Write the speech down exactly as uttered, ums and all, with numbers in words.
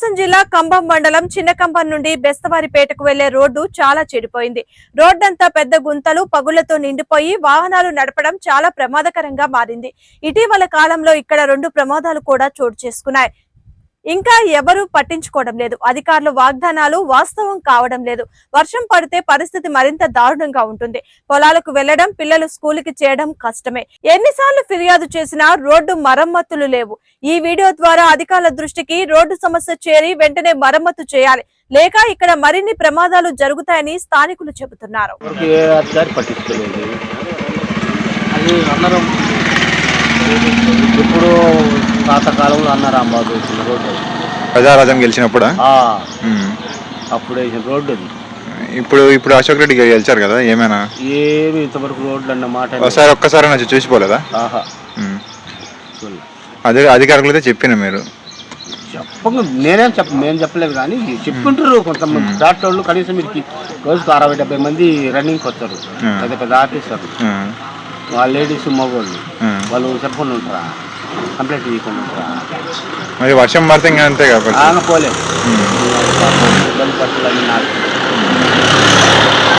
ప్రకాశం జిల్లా కంభం మండలం చిన్నకంభం నుండి బెస్తవారిపేటకు వెళ్లే రోడ్డు చాలా చెడిపోయింది. రోడ్డంతా పెద్ద గుంతలు పగుళ్లతో నిండిపోయి వాహనాలు నడపడం చాలా ప్రమాదకరంగా మారింది. ఇటీవల కాలంలో ఇక్కడ రెండు ప్రమాదాలు కూడా చోటు చేసుకున్నాయి. ఇంకా ఎవరూ పట్టించుకోవడం లేదు. అధికారులు వాగ్దానాలు వాస్తవం కావడం లేదు. వర్షం పడితే పరిస్థితి మరింత దారుణంగా ఉంటుంది. పొలాలకు వెళ్లడం, పిల్లలు స్కూలుకి చేయడం కష్టమే. ఎన్నిసార్లు ఫిర్యాదు చేసినా రోడ్డు మరమ్మతులు లేవు. ఈ వీడియో ద్వారా అధికారుల దృష్టికి రోడ్డు సమస్య చేరి వెంటనే మరమ్మతు చేయాలి, లేక ఇక్కడ మరిన్ని ప్రమాదాలు జరుగుతాయని స్థానికులు చెబుతున్నారు. ఇప్పుడు పాతకాలంలో అన్న రాంబాబు వేసిన రోడ్డు ప్రజారాజ్యం గెలిచినప్పుడు అప్పుడు వేసిన రోడ్డు అది. ఇప్పుడు ఇప్పుడు అశోక్ రెడ్డి గెలిచారు కదా, ఏమైనా ఏమి ఇంతవరకు రోడ్లు అన్న మాట ఒకసారి ఒక్కసారి వచ్చి చూసిపోలేదా? ఆహా అదే అధికారులతో చెప్పిన మీరు చెప్పంగా నేనేం చెప్ప మేము చెప్పలేదు కానీ చెప్పుకుంటారు కొంతమంది దాంట్లో వాళ్ళు. కనీసం మీరు రోజుకు అరవై డెబ్బై మంది రన్నింగ్కి వస్తారు, పెద్ద పెద్ద ఆఫీసర్లు, వాళ్ళ లేడీస్ మగవాళ్ళు, వాళ్ళు చెప్పకుండా ఉంటారా, కంప్లైంట్ చేయకుండా ఉంటారా? మరి వర్షం పడితే ఇంకా అంతే కాబట్టి పోలేదు.